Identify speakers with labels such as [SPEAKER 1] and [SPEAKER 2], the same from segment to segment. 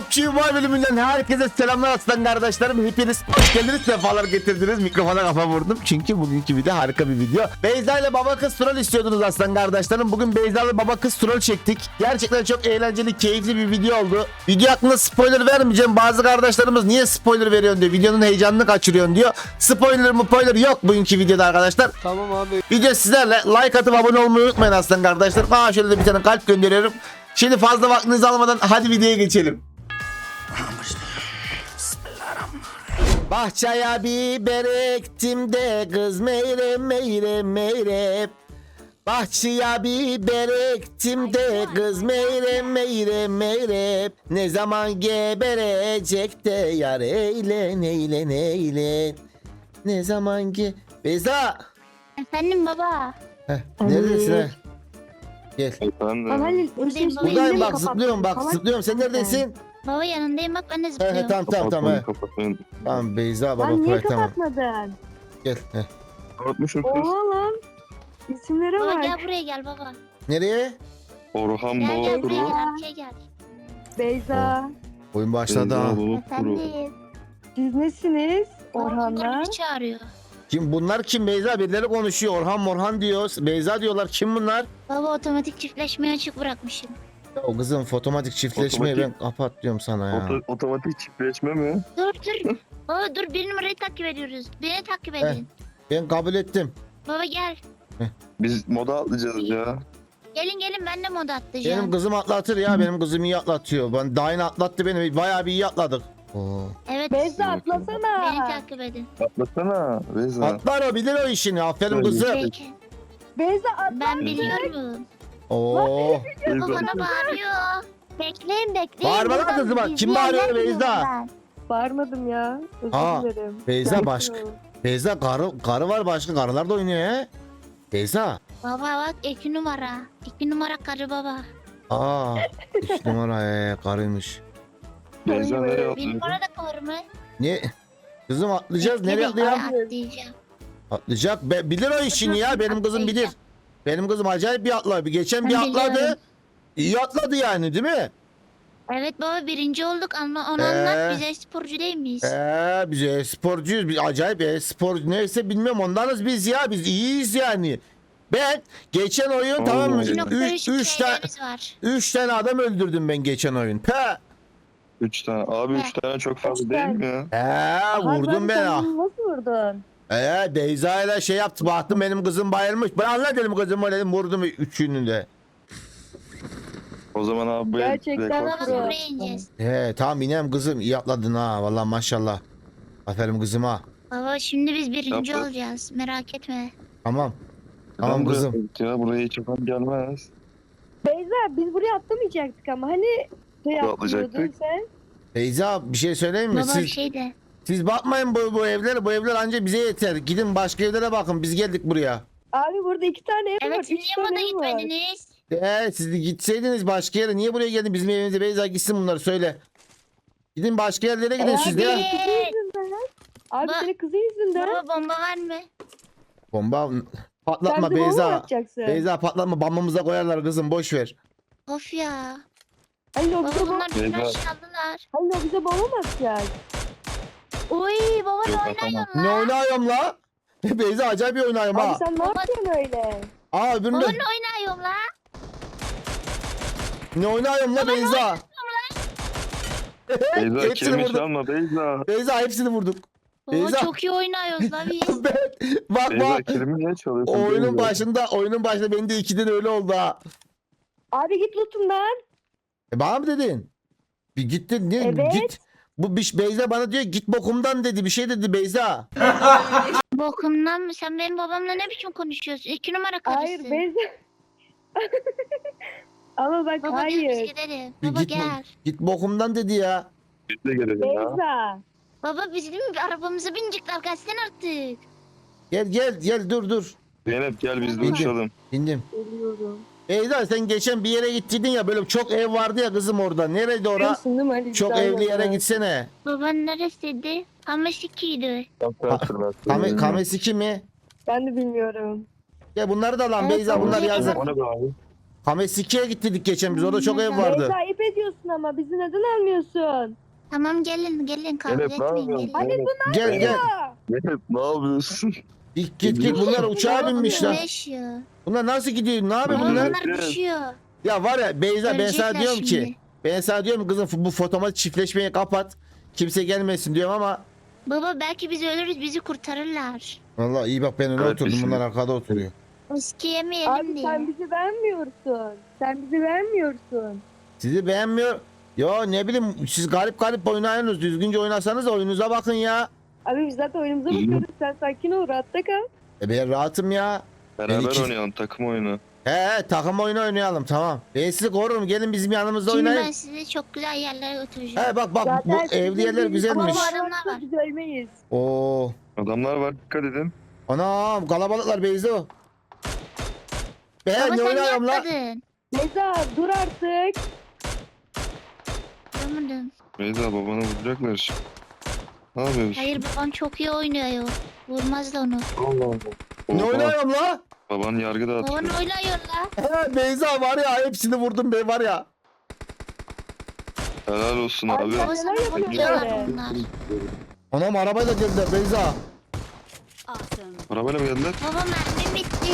[SPEAKER 1] PUBG Mobile bölümünden herkese selamlar aslan kardeşlerim. Hepiniz hoş geldiniz, sefalar getirdiniz. Mikrofona kafa vurdum çünkü bugünkü video harika bir video. Beyza ile baba kız troll istiyordunuz aslan kardeşlerim. Bugün Beyza ile baba kız troll çektik. Gerçekten çok eğlenceli, keyifli bir video oldu. Video hakkında spoiler vermeyeceğim. Bazı kardeşlerimiz niye spoiler veriyorsun diyor. Videonun heyecanını kaçırıyorsun diyor. Spoiler yok bugünkü videoda arkadaşlar.
[SPEAKER 2] Tamam abi.
[SPEAKER 1] Video sizlerle, like atıp abone olmayı unutmayın aslan kardeşler. Bana şöyle de bir tane kalp gönderiyorum. Şimdi fazla vaktinizi almadan hadi videoya geçelim. Bahçeye biber ektim de kız meyre meyre meyre. Bahçeye biber ektim de kız meyre meyre meyre. Ne zaman geberecek de yar eyle neyle neyle. Ne zaman Beyza.
[SPEAKER 3] Efendim baba.
[SPEAKER 1] Neredesin ha? Gel.
[SPEAKER 2] Halil,
[SPEAKER 3] Buradayım baba.
[SPEAKER 1] Buradayım
[SPEAKER 3] Elimi
[SPEAKER 1] bak, zıplıyorum bak, zıplıyorum. Sen neredesin?
[SPEAKER 3] Baba yanındayım bak ben de
[SPEAKER 1] He
[SPEAKER 3] zıplıyorum.
[SPEAKER 1] tamam he. Tamam Beyza baba
[SPEAKER 2] Lan niye
[SPEAKER 1] tamam.
[SPEAKER 2] kapatmadın?
[SPEAKER 1] Gel. He.
[SPEAKER 4] Kapatmışım kız.
[SPEAKER 2] Oha lan. İsimlere
[SPEAKER 3] Baba
[SPEAKER 2] bak.
[SPEAKER 3] gel buraya gel baba.
[SPEAKER 1] Nereye?
[SPEAKER 4] Orhan
[SPEAKER 3] Gel buraya
[SPEAKER 4] Babakuru.
[SPEAKER 3] gel arkaya gel.
[SPEAKER 2] Beyza.
[SPEAKER 1] Oyun başladı ha.
[SPEAKER 3] Efendim.
[SPEAKER 2] Siz nesiniz?
[SPEAKER 3] Orhanlar.
[SPEAKER 2] Orhanlar.
[SPEAKER 3] Bizi çağırıyor.
[SPEAKER 1] Kim bunlar, kim Beyza? Birileri konuşuyor. Orhan Morhan diyor. Beyza diyorlar. Kim bunlar?
[SPEAKER 3] Baba otomatik çiftleşmeyi açık bırakmışım.
[SPEAKER 1] O kızım fotomatik çiftleşmeyi ben
[SPEAKER 4] Otomatik.
[SPEAKER 1] kapat diyorum sana ya.
[SPEAKER 4] Otomatik çiftleşme mi?
[SPEAKER 3] Dur. Baba dur bir numarayı takip ediyoruz. Beni takip edin.
[SPEAKER 1] Ben kabul ettim.
[SPEAKER 3] Baba gel.
[SPEAKER 4] Biz moda atlayacağız ya.
[SPEAKER 3] Gelin ben de moda atlayacağım.
[SPEAKER 1] Benim kızım atlatır ya. Benim kızım iyi atlatıyor. Ben daha yeni atlattı beni. Bayağı bir iyi atladık. Oo.
[SPEAKER 3] Evet.
[SPEAKER 2] Beyza
[SPEAKER 3] Beni
[SPEAKER 2] atlasana.
[SPEAKER 3] takip edin.
[SPEAKER 4] Atlasana Beyza.
[SPEAKER 1] Atlar o, bilir o işini. Aferin
[SPEAKER 4] Öyle.
[SPEAKER 1] kızım.
[SPEAKER 3] Peki.
[SPEAKER 2] Beyza atla.
[SPEAKER 3] Ben biliyorum.
[SPEAKER 1] Oo.
[SPEAKER 4] Beyza.
[SPEAKER 3] Baba bana bağırıyor. Bekleyin.
[SPEAKER 1] Bağırma lan
[SPEAKER 3] Buradan
[SPEAKER 1] kızım, bak. Kim
[SPEAKER 3] izleyenler
[SPEAKER 1] bağırıyor
[SPEAKER 3] biliyor
[SPEAKER 1] Beyza?
[SPEAKER 3] ben.
[SPEAKER 2] Bağırmadım ya.
[SPEAKER 1] Aa,
[SPEAKER 2] Özür dilerim.
[SPEAKER 1] Beyza
[SPEAKER 2] Sakin
[SPEAKER 1] başka.
[SPEAKER 2] ol.
[SPEAKER 1] Beyza karı var, başka karılar da oynuyor he. Beyza.
[SPEAKER 3] Baba bak 2 numara. 2 numara karı baba.
[SPEAKER 1] Aa. 3 numara karıymış.
[SPEAKER 4] Beyza nereye
[SPEAKER 3] Bir
[SPEAKER 4] atlıyor?
[SPEAKER 3] numara da karı mı?
[SPEAKER 1] Ne? Kızım atlayacağız. Nereye
[SPEAKER 3] Bekle,
[SPEAKER 1] atlayalım?
[SPEAKER 3] atlayacağım.
[SPEAKER 1] Atlayacak. Bilir o işini ya. Benim kızım bilir. Benim kızım acayip bir atlar. Geçen bir
[SPEAKER 3] Ben
[SPEAKER 1] atladı.
[SPEAKER 3] biliyorum.
[SPEAKER 1] İyi atladı yani, değil mi?
[SPEAKER 3] Evet baba birinci olduk ama onu
[SPEAKER 1] Ee?
[SPEAKER 3] anlat bize sporcu değil miyiz?
[SPEAKER 1] Biz sporcuyuz. Biz acayip spor neyse bilmiyorum, ondanız biz ya. Biz iyiyiz yani. Ben geçen oyun tamam mı?
[SPEAKER 4] Oo.
[SPEAKER 1] 3 tane
[SPEAKER 3] şeylerimiz var.
[SPEAKER 1] 3 tane adam öldürdüm ben geçen oyun. Pe.
[SPEAKER 4] 3 tane. Abi 3 tane çok fazla değil mi ya?
[SPEAKER 1] Vurdum ben ha.
[SPEAKER 2] Sen nasıl vurdun?
[SPEAKER 1] Beyza ile şey yaptı. Baktım benim kızım bayılmış. Ben anla dedim kızımı, dedim vurdum üçünü de.
[SPEAKER 4] O zaman abi bu
[SPEAKER 2] Gerçekten
[SPEAKER 4] rekor
[SPEAKER 3] Baba
[SPEAKER 2] Pro.
[SPEAKER 4] kırıyor.
[SPEAKER 3] buraya ineceğiz.
[SPEAKER 1] Tamam inem kızım, iyi atladın ha. Vallahi maşallah. Aferin kızıma.
[SPEAKER 3] Baba şimdi biz birinci
[SPEAKER 4] Yapma.
[SPEAKER 3] olacağız merak etme.
[SPEAKER 1] Tamam. Tamam
[SPEAKER 4] Neden buraya
[SPEAKER 1] kızım.
[SPEAKER 4] atladık Ya buraya hiç yapan gelmez.
[SPEAKER 2] Beyza biz buraya atlamayacaktık ama hani şey
[SPEAKER 4] Buraya
[SPEAKER 2] atlıyordun
[SPEAKER 4] atlayacaktık.
[SPEAKER 2] sen.
[SPEAKER 1] Beyza bir şey söyleyeyim mi?
[SPEAKER 3] Baba bir
[SPEAKER 1] Siz,
[SPEAKER 3] şey de.
[SPEAKER 1] siz bakmayın bu evlere. Bu evler anca bize yeter. Gidin başka evlere bakın. Biz geldik buraya.
[SPEAKER 2] Abi burada 2 tane ev var.
[SPEAKER 3] Evet siz
[SPEAKER 2] 3
[SPEAKER 3] niye
[SPEAKER 2] tane
[SPEAKER 3] moda
[SPEAKER 2] ev var.
[SPEAKER 3] gitmediniz?
[SPEAKER 1] Siz de gitseydiniz başka yere. Niye buraya geldin? Bizim evimize Beyza gitsin, bunları söyle. Gidin başka yerlere gidin siz de ya.
[SPEAKER 3] Abi.
[SPEAKER 2] Kızı yüzünden. Abi
[SPEAKER 3] Ba-
[SPEAKER 2] senin kızı yüzünden.
[SPEAKER 3] Baba bomba var mı?
[SPEAKER 1] Bomba
[SPEAKER 2] Sen
[SPEAKER 1] patlatma
[SPEAKER 2] de bomba mı
[SPEAKER 1] Beyza.
[SPEAKER 2] atacaksın?
[SPEAKER 1] Beyza patlatma, bombamıza koyarlar kızım, boş ver.
[SPEAKER 3] Of ya.
[SPEAKER 2] Hayır o
[SPEAKER 3] Baba
[SPEAKER 2] bize bomba.
[SPEAKER 3] bunlar bütün
[SPEAKER 4] Beyza.
[SPEAKER 3] aşağıdalar.
[SPEAKER 2] Hayır o bize bomba mı atacak?
[SPEAKER 3] Oy baba ne
[SPEAKER 4] Yok,
[SPEAKER 3] oynuyorsun
[SPEAKER 1] Ne
[SPEAKER 3] lan?
[SPEAKER 1] oynuyorum la? Beyza acayip bir oynuyorum
[SPEAKER 2] Abi
[SPEAKER 1] ha.
[SPEAKER 2] sen ne
[SPEAKER 3] Baba-
[SPEAKER 2] yapıyorsun öyle?
[SPEAKER 1] Öbürünü
[SPEAKER 3] Baba
[SPEAKER 1] de-
[SPEAKER 3] ne oynuyorsun la?
[SPEAKER 1] ne oynuyorum la Beyza?
[SPEAKER 4] Beyza
[SPEAKER 1] Hepsini
[SPEAKER 4] kirmiş
[SPEAKER 1] vurduk.
[SPEAKER 4] alma Beyza.
[SPEAKER 1] Beyza hepsini vurduk.
[SPEAKER 3] Baba
[SPEAKER 1] Beyza.
[SPEAKER 3] çok iyi oynuyoruz la biz.
[SPEAKER 1] Bak
[SPEAKER 4] Beyza
[SPEAKER 1] bak.
[SPEAKER 4] kirimi ne çalıyorsun?
[SPEAKER 1] Oyunun
[SPEAKER 4] Beyza?
[SPEAKER 1] başında benim de 2'den öyle oldu ha.
[SPEAKER 2] Abi git lootumdan.
[SPEAKER 1] Bana mı dedin? Bir gittin ne?
[SPEAKER 2] Evet.
[SPEAKER 1] Git. Beyza bana diyor git bokumdan dedi. Bir şey dedi Beyza.
[SPEAKER 3] Bokumdan mı? Sen benim babamla ne biçim konuşuyorsun? 2 numara karısı.
[SPEAKER 2] Hayır Beyza. Ama bak
[SPEAKER 3] Baba gel biz
[SPEAKER 2] hayır.
[SPEAKER 3] gidelim.
[SPEAKER 1] Bir
[SPEAKER 3] Baba
[SPEAKER 1] git,
[SPEAKER 3] gel.
[SPEAKER 1] git bokumdan dedi ya.
[SPEAKER 4] Biz de gelelim ya.
[SPEAKER 2] Beyza.
[SPEAKER 3] Baba bizim arabamıza binecekler. Gelsene artık.
[SPEAKER 1] Gel dur.
[SPEAKER 4] Zeynep gel biz de
[SPEAKER 1] Bindim.
[SPEAKER 4] uçalım.
[SPEAKER 1] İndim.
[SPEAKER 2] Geliyorum.
[SPEAKER 1] Beyza sen geçen bir yere gittiydin ya, böyle çok ev vardı ya kızım orada. Nereydi ora?
[SPEAKER 2] Biliyorsun değil mi Ali?
[SPEAKER 1] Çok
[SPEAKER 2] Güzel
[SPEAKER 1] evli yere
[SPEAKER 2] yerler.
[SPEAKER 1] gitsene.
[SPEAKER 3] Baban neresiydi? Kameşiki'ydi.
[SPEAKER 1] Kamesi kimi?
[SPEAKER 2] Ben de bilmiyorum.
[SPEAKER 1] Ya bunları da lan
[SPEAKER 3] Evet,
[SPEAKER 1] Beyza, bunlar
[SPEAKER 3] oraya
[SPEAKER 1] yazın.
[SPEAKER 3] kadar-
[SPEAKER 4] O ne be abi?
[SPEAKER 1] Hamesiki'ye gittik geçen biz. Orada çok ev vardı.
[SPEAKER 2] Beyza ayıp ediyorsun ama bizi neden almıyorsun?
[SPEAKER 3] Tamam gelin kavga
[SPEAKER 4] Evet, ne
[SPEAKER 3] etmeyin
[SPEAKER 4] yapıyorsun?
[SPEAKER 3] gelin.
[SPEAKER 2] Hadi
[SPEAKER 4] Evet,
[SPEAKER 1] Gel gel.
[SPEAKER 2] Aa,
[SPEAKER 4] evet, ne yapıyorsun?
[SPEAKER 1] Git bunlar uçağa binmişler.
[SPEAKER 3] Yaşıyor.
[SPEAKER 1] Bunlar nasıl gidiyor? Ne yapıyor
[SPEAKER 3] Baba
[SPEAKER 1] bunlar?
[SPEAKER 3] bunlar düşüyor.
[SPEAKER 1] Ya var ya Beyza ben sana
[SPEAKER 3] Ölecekler
[SPEAKER 1] diyorum ki.
[SPEAKER 3] şimdi.
[SPEAKER 1] Ben sana diyorum kızım bu fotomatik çiftleşmeyi kapat. Kimse gelmesin diyorum ama.
[SPEAKER 3] Baba belki biz ölürüz bizi kurtarırlar.
[SPEAKER 1] Vallahi iyi bak ben öne
[SPEAKER 4] Evet,
[SPEAKER 1] oturdum.
[SPEAKER 4] bizim-
[SPEAKER 1] Bunlar arkada oturuyor.
[SPEAKER 3] Riski yemeyelim
[SPEAKER 2] abi
[SPEAKER 3] diye.
[SPEAKER 2] sen bizi vermiyorsun. Sen bizi vermiyorsun.
[SPEAKER 1] Sizi beğenmiyor. Ya ne bileyim siz garip oynayıyorsunuz. Düzgünce oynasanız oyunuza bakın ya.
[SPEAKER 2] Abi biz zaten oyunumuza bakıyoruz. Sen sakin ol, rahatta kal.
[SPEAKER 1] Ben rahatım ya.
[SPEAKER 4] Beraber
[SPEAKER 1] iki-
[SPEAKER 4] oynayalım, takım oyunu.
[SPEAKER 1] He takım oyunu oynayalım tamam. Ben sizi korurum gelin bizim yanımızda
[SPEAKER 3] Şimdi
[SPEAKER 1] oynayın.
[SPEAKER 3] ben sizi çok güzel yerlere götüreceğim.
[SPEAKER 1] He bak bu
[SPEAKER 2] Zaten
[SPEAKER 1] evli yerler
[SPEAKER 2] bizim
[SPEAKER 1] güzelmiş.
[SPEAKER 2] ama
[SPEAKER 3] Adamlar
[SPEAKER 2] varsa
[SPEAKER 3] var.
[SPEAKER 2] biz ölmeyiz.
[SPEAKER 1] Oo.
[SPEAKER 4] Adamlar var, dikkat edin.
[SPEAKER 1] Anam kalabalıklar Beyzo.
[SPEAKER 3] Baba
[SPEAKER 1] Ben ne
[SPEAKER 3] sen niye
[SPEAKER 1] oynuyorum la?
[SPEAKER 3] atladın?
[SPEAKER 2] Beyza dur artık.
[SPEAKER 3] Duramadım.
[SPEAKER 4] Beyza babana vuracaklar şimdi. Ne yapıyorsun?
[SPEAKER 3] Hayır babam çok iyi oynuyor. Vurmaz da onu.
[SPEAKER 4] Allah Allah.
[SPEAKER 1] Ne
[SPEAKER 4] Oha,
[SPEAKER 1] oynuyorum la?
[SPEAKER 4] Baban yargı
[SPEAKER 3] Baban
[SPEAKER 4] dağıtıyor.
[SPEAKER 3] oynuyor la.
[SPEAKER 1] He Beyza var ya hepsini vurdum be var ya.
[SPEAKER 4] Helal olsun
[SPEAKER 2] Abi
[SPEAKER 4] abi.
[SPEAKER 2] sen
[SPEAKER 3] Baba sana
[SPEAKER 2] neler yapıyorsun
[SPEAKER 3] bakıyorlar
[SPEAKER 2] öyle?
[SPEAKER 3] bunlar.
[SPEAKER 1] Anam arabayla geldiler Beyza.
[SPEAKER 4] Arabayla mı geldiler?
[SPEAKER 3] Baba mermim bitti.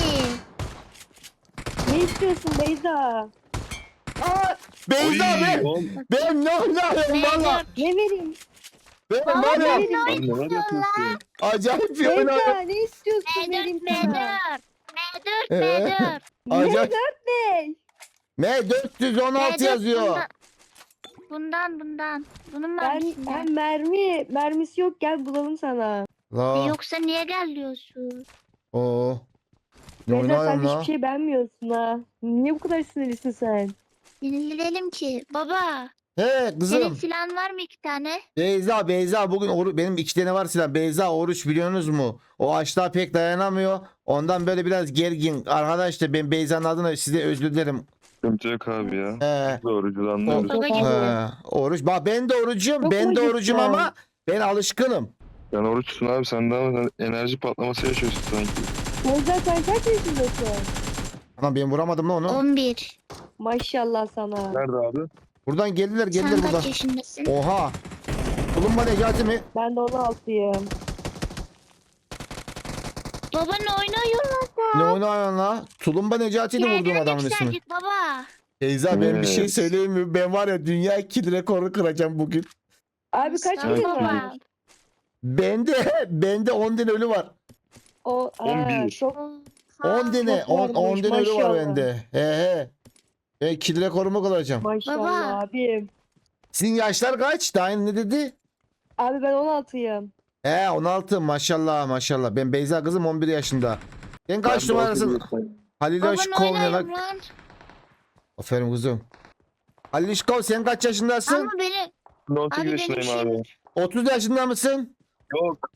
[SPEAKER 2] Ne istiyorsun Beyza?
[SPEAKER 1] Aa, Beyza
[SPEAKER 4] Oy,
[SPEAKER 1] ben ne oynuyorum valla.
[SPEAKER 3] M4.
[SPEAKER 2] Ne vereyim?
[SPEAKER 1] Ben
[SPEAKER 3] Baba
[SPEAKER 1] var ya
[SPEAKER 3] ben
[SPEAKER 4] Lan neler
[SPEAKER 3] oynuyorum la.
[SPEAKER 4] yapıyorsun?
[SPEAKER 1] acayip bir oynuyorum.
[SPEAKER 2] Beyza ne istiyorsun vereyim
[SPEAKER 3] M4
[SPEAKER 2] sana?
[SPEAKER 3] M4 M4 M4.
[SPEAKER 1] Acayip.
[SPEAKER 2] Ne?
[SPEAKER 1] M416 yazıyor.
[SPEAKER 3] Bundan. Bunun
[SPEAKER 2] Ben
[SPEAKER 3] mermisinden.
[SPEAKER 2] mermisi yok gel bulalım sana.
[SPEAKER 1] La.
[SPEAKER 3] Yoksa niye gel diyorsun?
[SPEAKER 1] Oo. Ne
[SPEAKER 2] Beyza sen
[SPEAKER 1] oynuyorum
[SPEAKER 2] hiçbir
[SPEAKER 1] la?
[SPEAKER 2] şey beğenmiyorsun ha. Niye bu kadar sinirlisin sen?
[SPEAKER 3] Dinleyelim ki. Baba
[SPEAKER 1] He
[SPEAKER 3] senin
[SPEAKER 1] kızım.
[SPEAKER 3] silahın var mı 2 tane?
[SPEAKER 1] Beyza bugün benim 2 tane var silah. Beyza oruç biliyorsunuz mu? O açlığa pek dayanamıyor. Ondan böyle biraz gergin. Arkadaşlar ben Beyza'nın adına size özür dilerim.
[SPEAKER 4] Sıkıntı yok abi ya.
[SPEAKER 1] He.
[SPEAKER 4] Doğrucu anlıyoruz.
[SPEAKER 3] Baba
[SPEAKER 2] Çok
[SPEAKER 3] gibi.
[SPEAKER 2] ağır.
[SPEAKER 1] Oruç. Bak ben de orucum.
[SPEAKER 2] Çok
[SPEAKER 1] Ben de
[SPEAKER 2] mu
[SPEAKER 1] orucum
[SPEAKER 2] cidden?
[SPEAKER 1] ama ben alışkınım.
[SPEAKER 4] Sen oruçsun abi, sen daha enerji patlaması yaşıyorsun sanki.
[SPEAKER 2] Beyza sen kaç yaşındasın?
[SPEAKER 1] Anam ben vuramadım lan onu.
[SPEAKER 3] 11.
[SPEAKER 2] Maşallah sana.
[SPEAKER 4] Nerede abi?
[SPEAKER 1] Buradan geldiler
[SPEAKER 3] Sen
[SPEAKER 1] buradan.
[SPEAKER 3] kaç yaşındasın?
[SPEAKER 1] Oha. Bulunma Necati mi?
[SPEAKER 2] Ben de 16'yım.
[SPEAKER 3] Baba ne oynuyorlar
[SPEAKER 1] Ne
[SPEAKER 3] da?
[SPEAKER 1] oynuyorsun la? Tulumba Necati ile vurduğum adamın ismi.
[SPEAKER 3] yükseldik baba.
[SPEAKER 1] Beyza ben bir şey
[SPEAKER 4] Evet.
[SPEAKER 1] söyleyeyim mi? Ben var ya dünya kill rekoru kıracağım bugün.
[SPEAKER 2] Abi kaç
[SPEAKER 3] Aslan
[SPEAKER 2] kilo
[SPEAKER 3] baba.
[SPEAKER 2] var?
[SPEAKER 1] Bende 10 tane ölü var.
[SPEAKER 2] O
[SPEAKER 4] 11.
[SPEAKER 2] çok
[SPEAKER 1] 10 tane
[SPEAKER 2] çok
[SPEAKER 1] 10
[SPEAKER 2] varmış,
[SPEAKER 1] tane ölü var
[SPEAKER 2] maşallah.
[SPEAKER 1] bende. He. Ben kill rekorumu kıracağım.
[SPEAKER 2] maşallah
[SPEAKER 3] Baba.
[SPEAKER 2] abim.
[SPEAKER 1] Sizin yaşlar kaç? Daha ne dedi?
[SPEAKER 2] Abi ben 16'yım.
[SPEAKER 1] He 16 maşallah. Ben Beyza kızım 11 yaşında. Sen kaç
[SPEAKER 4] Ben de
[SPEAKER 1] numarasın?
[SPEAKER 4] otuz
[SPEAKER 1] Halil
[SPEAKER 3] Baba
[SPEAKER 1] Aşkov
[SPEAKER 3] ne
[SPEAKER 1] ne
[SPEAKER 3] oynuyorum
[SPEAKER 1] lan?
[SPEAKER 3] lan?
[SPEAKER 1] Aferin kızım. Halil Aşkov sen kaç yaşındasın?
[SPEAKER 3] Ama beni
[SPEAKER 4] 18
[SPEAKER 3] abi benim
[SPEAKER 4] yaşındayım abi.
[SPEAKER 1] 30 yaşında mısın?
[SPEAKER 4] Yok.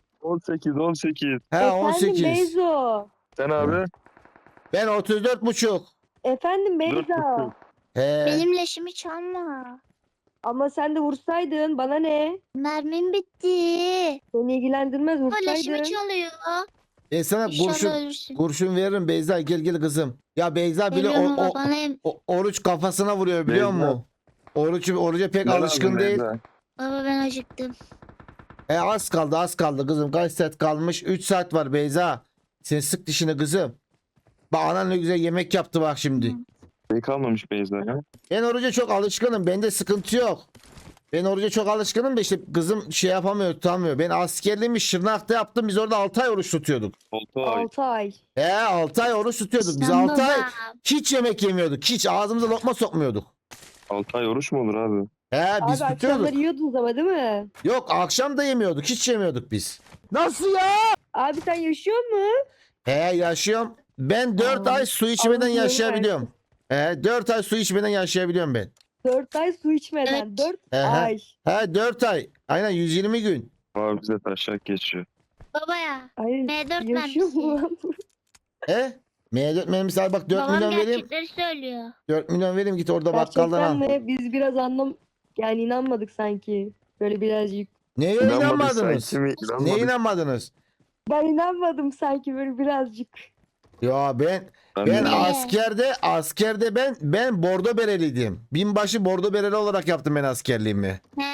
[SPEAKER 4] 18.
[SPEAKER 1] He
[SPEAKER 2] Efendim
[SPEAKER 1] 18.
[SPEAKER 2] Beyzo.
[SPEAKER 4] Sen abi?
[SPEAKER 1] Ben 34 buçuk.
[SPEAKER 2] Efendim Beyza.
[SPEAKER 4] 4,5.
[SPEAKER 1] He.
[SPEAKER 3] benim leşimi çalma.
[SPEAKER 2] Ama sen de vursaydın bana ne?
[SPEAKER 3] Mermim bitti.
[SPEAKER 2] Beni ilgilendirmez
[SPEAKER 3] Baba leşimi
[SPEAKER 2] vursaydın.
[SPEAKER 3] çalıyor.
[SPEAKER 1] Ben sana
[SPEAKER 3] İnşallah ölürsün.
[SPEAKER 1] kurşun veririm Beyza gel kızım. Ya Beyza bile
[SPEAKER 3] Geliyorum baba bana
[SPEAKER 1] oruç kafasına vuruyor biliyor
[SPEAKER 4] Beyza.
[SPEAKER 1] musun? Oruca pek
[SPEAKER 4] Ne
[SPEAKER 1] alışkın
[SPEAKER 4] lazım
[SPEAKER 1] değil.
[SPEAKER 4] Beyza?
[SPEAKER 3] Baba ben acıktım.
[SPEAKER 1] Az kaldı kızım. Kaç saat kalmış? 3 saat var Beyza. Sen sık dişini kızım. Bak anan ne güzel yemek yaptı bak şimdi.
[SPEAKER 3] Hı.
[SPEAKER 4] Şey kalmamış Beyza ya.
[SPEAKER 1] Ben oruca çok alışkınım. Bende sıkıntı yok. Ben oruca çok alışkınım da işte kızım şey yapamıyor, tutamıyor. Ben askerliğimi Şırnak'ta yaptım. Biz orada 6 ay oruç tutuyorduk.
[SPEAKER 4] 6 ay.
[SPEAKER 2] 6 ay.
[SPEAKER 1] 6 ay oruç tutuyorduk. Biz
[SPEAKER 3] Sen
[SPEAKER 1] 6 ay
[SPEAKER 3] baba.
[SPEAKER 1] hiç yemek yemiyorduk. Hiç ağzımıza lokma sokmuyorduk.
[SPEAKER 4] 6 ay oruç mu olur abi?
[SPEAKER 1] Biz
[SPEAKER 2] Abi
[SPEAKER 1] tutuyorduk.
[SPEAKER 2] akşamları yiyordunuz ama değil mi?
[SPEAKER 1] Yok akşam da yemiyorduk. Hiç yemiyorduk biz. Nasıl ya?
[SPEAKER 2] Abi sen yaşıyor mu?
[SPEAKER 1] Yaşıyorum. Ben 4
[SPEAKER 2] Aa,
[SPEAKER 1] ay su içmeden
[SPEAKER 2] Allah
[SPEAKER 1] yaşayabiliyorum. 4 ay su içmeden yaşayabiliyorum ben.
[SPEAKER 2] 4 ay su içmeden.
[SPEAKER 3] Evet.
[SPEAKER 2] 4
[SPEAKER 1] He, he.
[SPEAKER 2] ay.
[SPEAKER 1] 4 ay. Aynen 120 gün.
[SPEAKER 4] Abi bize taşak geçiyor.
[SPEAKER 3] Baba ya.
[SPEAKER 2] Ay
[SPEAKER 3] M4
[SPEAKER 2] yaşıyor mu
[SPEAKER 3] mermisi.
[SPEAKER 2] lan?
[SPEAKER 1] He? M4 mermisi al bak 4
[SPEAKER 3] Babam
[SPEAKER 1] milyon vereyim.
[SPEAKER 3] gerçekleri söylüyor.
[SPEAKER 1] 4 milyon vereyim git orada bakkaldan
[SPEAKER 2] Gerçekten
[SPEAKER 1] al.
[SPEAKER 2] mi? Biz biraz yani inanmadık sanki. Böyle birazcık.
[SPEAKER 1] Neye
[SPEAKER 4] İnanmadıysan
[SPEAKER 1] inanmadınız?
[SPEAKER 4] kimi
[SPEAKER 1] Neye
[SPEAKER 4] inanmadık?
[SPEAKER 1] inanmadınız?
[SPEAKER 2] Ben inanmadım sanki böyle birazcık.
[SPEAKER 1] Ya ben
[SPEAKER 4] Ben de-
[SPEAKER 1] askerde ben bordo bereliydim. Binbaşı bordo bereli olarak yaptım ben askerliğimi.
[SPEAKER 3] He?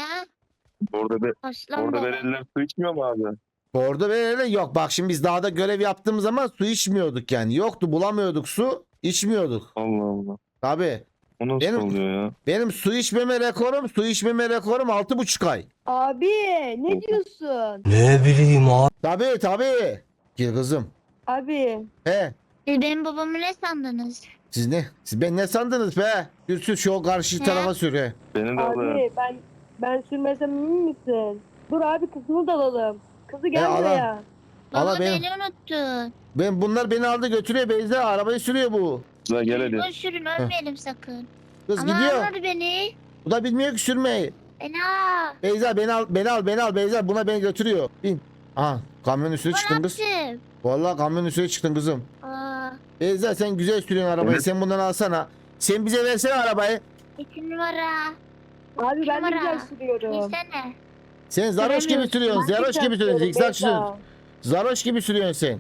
[SPEAKER 3] Aslan
[SPEAKER 4] Orada
[SPEAKER 3] baba.
[SPEAKER 4] belediyeler su içmiyor mu abi?
[SPEAKER 1] Bordo bereli yok. Bak şimdi biz dağda görev yaptığımız zaman su içmiyorduk yani. Yoktu, bulamıyorduk su, içmiyorduk.
[SPEAKER 4] Allah Allah.
[SPEAKER 1] Tabii.
[SPEAKER 4] O nasıl
[SPEAKER 1] Benim-
[SPEAKER 4] oluyor ya?
[SPEAKER 1] Benim su içmeme rekorum 6,5 ay.
[SPEAKER 2] Abi ne diyorsun?
[SPEAKER 1] Tabii. Gel kızım.
[SPEAKER 2] Abi.
[SPEAKER 1] He.
[SPEAKER 3] Siz benim babamı ne sandınız?
[SPEAKER 1] Siz ne? Siz ben ne sandınız be? Sür şu karşı
[SPEAKER 3] He?
[SPEAKER 1] tarafa sür he.
[SPEAKER 4] Beni de alın.
[SPEAKER 2] Abi ben sürmesem emin misin? Dur abi kızını da alalım. Kızı gel
[SPEAKER 1] ala.
[SPEAKER 2] buraya.
[SPEAKER 1] Ama
[SPEAKER 3] Baba
[SPEAKER 1] benim-
[SPEAKER 3] beni unuttun.
[SPEAKER 1] Bunlar beni aldı götürüyor Beyza. Arabayı sürüyor bu.
[SPEAKER 4] Güzel gel hadi.
[SPEAKER 3] Düzgün sürün ölmeyelim sakın.
[SPEAKER 1] Kız
[SPEAKER 3] Ama
[SPEAKER 1] gidiyor.
[SPEAKER 3] almadı beni.
[SPEAKER 1] Bu da bilmiyor ki sürmeyi.
[SPEAKER 3] Beni al.
[SPEAKER 1] Beyza beni al Beyza. Buna beni götürüyor. Bin. Aha kamyonun üstüne
[SPEAKER 3] Ne
[SPEAKER 1] çıktın kız.
[SPEAKER 3] yaptım?
[SPEAKER 1] Vallahi kamyonun üstüne çıktın kızım.
[SPEAKER 3] Aa,
[SPEAKER 1] Beyza sen güzel sürüyorsun arabayı.
[SPEAKER 4] Evet.
[SPEAKER 1] Sen bundan alsana. Sen bize versene arabayı.
[SPEAKER 3] 2 numara.
[SPEAKER 2] Abi ben de
[SPEAKER 3] Numara.
[SPEAKER 2] güzel sürüyorum.
[SPEAKER 3] Bilsene.
[SPEAKER 1] Sen zaroş gibi
[SPEAKER 3] Süremiyorsun.
[SPEAKER 1] sürüyorsun. Zaroş gibi sürüyorsun. Zikzak sürüyorsun. Zaroş gibi sürüyorsun sen.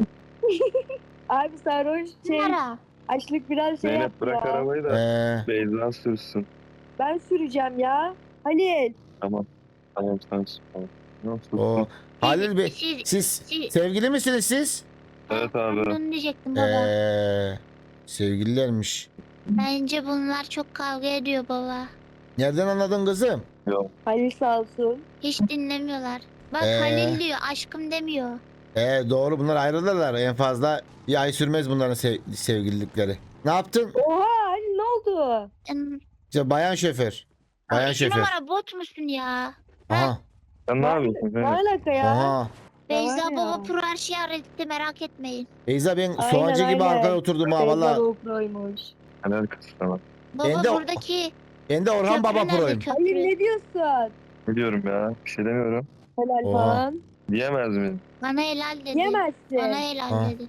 [SPEAKER 2] Abi sarhoş
[SPEAKER 3] Numara.
[SPEAKER 2] açlık biraz şey
[SPEAKER 4] Zeynep
[SPEAKER 2] yaptı
[SPEAKER 4] bırak
[SPEAKER 2] ya.
[SPEAKER 4] arabayı da Beyza sürsün.
[SPEAKER 2] Ben süreceğim ya. Halil.
[SPEAKER 4] Tamam sen sür. Tamam. Nasıl?
[SPEAKER 1] O Halil Bey siz
[SPEAKER 3] siz-
[SPEAKER 1] sevgili misiniz siz?
[SPEAKER 4] Evet abi.
[SPEAKER 3] Onu diyecektim baba.
[SPEAKER 1] Sevgililermiş.
[SPEAKER 3] Bence bunlar çok kavga ediyor baba.
[SPEAKER 1] Nereden anladın kızım?
[SPEAKER 4] Yok.
[SPEAKER 2] Halil sağ olsun.
[SPEAKER 3] Hiç dinlemiyorlar. Bak
[SPEAKER 1] Ee?
[SPEAKER 3] Halil diyor, aşkım demiyor.
[SPEAKER 1] Doğru bunlar ayrılırlar. En fazla bir ay sürmez bunların sevgililikleri. Ne yaptın?
[SPEAKER 2] Oha Halil ne oldu?
[SPEAKER 1] İşte bayan şoför. Bayan
[SPEAKER 3] İki
[SPEAKER 1] şoför.
[SPEAKER 3] numara bot musun ya?
[SPEAKER 1] Aha.
[SPEAKER 4] Sen ne yapıyorsun?
[SPEAKER 2] Ne
[SPEAKER 4] Zeynep?
[SPEAKER 2] alaka ya?
[SPEAKER 1] Aha.
[SPEAKER 3] Beyza
[SPEAKER 2] ya.
[SPEAKER 3] baba pro her şeyi öğretti, merak etmeyin.
[SPEAKER 1] Beyza ben
[SPEAKER 2] Aynen,
[SPEAKER 1] soğancı gibi
[SPEAKER 2] aynen.
[SPEAKER 1] arkaya oturdum ha
[SPEAKER 2] Beyza
[SPEAKER 1] valla.
[SPEAKER 2] GoPro'ymuş.
[SPEAKER 4] Helal kız sana.
[SPEAKER 3] Baba
[SPEAKER 1] Ben de-
[SPEAKER 3] buradaki
[SPEAKER 1] Ben de Orhan
[SPEAKER 3] köprü
[SPEAKER 1] Baba
[SPEAKER 3] nerede,
[SPEAKER 1] proyum.
[SPEAKER 3] köprü?
[SPEAKER 2] Halil ne diyorsun?
[SPEAKER 4] Ne diyorum ya? Bir şey demiyorum.
[SPEAKER 2] Helal
[SPEAKER 1] Oha.
[SPEAKER 2] falan.
[SPEAKER 4] Diyemez miyim?
[SPEAKER 3] Bana helal dedi.
[SPEAKER 2] Yemezsin.
[SPEAKER 3] Bana helal
[SPEAKER 1] Ha.
[SPEAKER 3] dedi.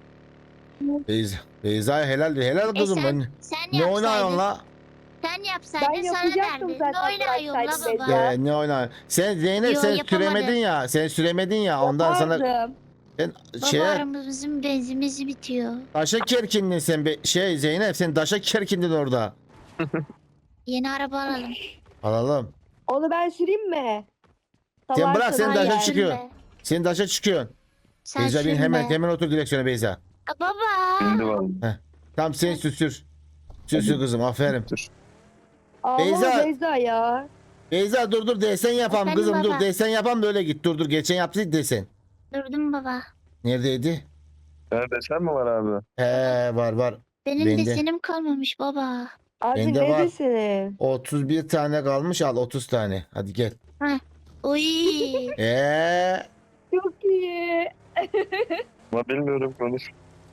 [SPEAKER 1] Beyza helal helal kızım
[SPEAKER 3] sen,
[SPEAKER 1] ben.
[SPEAKER 3] sen
[SPEAKER 1] Ne
[SPEAKER 3] yapsaydın.
[SPEAKER 1] oynuyorsun la?
[SPEAKER 2] Ben
[SPEAKER 3] Sen yapsaydın sana
[SPEAKER 2] yapacaktım
[SPEAKER 3] derdi.
[SPEAKER 2] zaten,
[SPEAKER 3] Ne oynuyorsun la
[SPEAKER 2] bıraksaydın
[SPEAKER 3] baba?
[SPEAKER 2] beni.
[SPEAKER 1] Ne oynuyorsun? Sen Zeynep
[SPEAKER 3] Yo,
[SPEAKER 1] sen
[SPEAKER 3] yapamadım.
[SPEAKER 1] süremedin ya. Sen süremedin ya. Ondan sana
[SPEAKER 2] Yapardım.
[SPEAKER 1] sen
[SPEAKER 3] Baba aramızın benzimiz bitiyor.
[SPEAKER 1] daşa kerkindin sen Zeynep sen daşa kerkindin orada.
[SPEAKER 3] Yeni araba alalım.
[SPEAKER 1] Alalım.
[SPEAKER 2] Onu ben süreyim mi?
[SPEAKER 1] Sen bırak, sen
[SPEAKER 2] Salarsın
[SPEAKER 1] daşa
[SPEAKER 2] Halil.
[SPEAKER 1] çıkıyor.
[SPEAKER 3] Sürme.
[SPEAKER 1] Sen daşa çıkıyorsun.
[SPEAKER 3] Sen
[SPEAKER 1] Beyza bin
[SPEAKER 3] sürme.
[SPEAKER 1] hemen otur direksiyona Beyza.
[SPEAKER 3] Baba.
[SPEAKER 4] Şimdi vallahi.
[SPEAKER 1] Tamam sen sür. Sür kızım aferin.
[SPEAKER 4] Dur.
[SPEAKER 2] Ama
[SPEAKER 1] Beyza.
[SPEAKER 2] Beyza ya.
[SPEAKER 1] Beyza dur desen yapam
[SPEAKER 3] Efendim
[SPEAKER 1] kızım dur
[SPEAKER 3] baba?
[SPEAKER 1] desen yapam böyle git dur geçen yaptıydı desen.
[SPEAKER 3] Durdum baba.
[SPEAKER 1] Neredeydi?
[SPEAKER 4] Sen desen mi var abi?
[SPEAKER 1] He var.
[SPEAKER 3] Benim
[SPEAKER 1] Bende.
[SPEAKER 3] desenim kalmamış baba.
[SPEAKER 2] Abi
[SPEAKER 1] Bende
[SPEAKER 2] ne
[SPEAKER 1] var.
[SPEAKER 2] desene?
[SPEAKER 1] 31 tane kalmış al 30 tane. Hadi gel.
[SPEAKER 3] Uy.
[SPEAKER 2] Çok iyi.
[SPEAKER 4] Ama bilmiyorum konuş.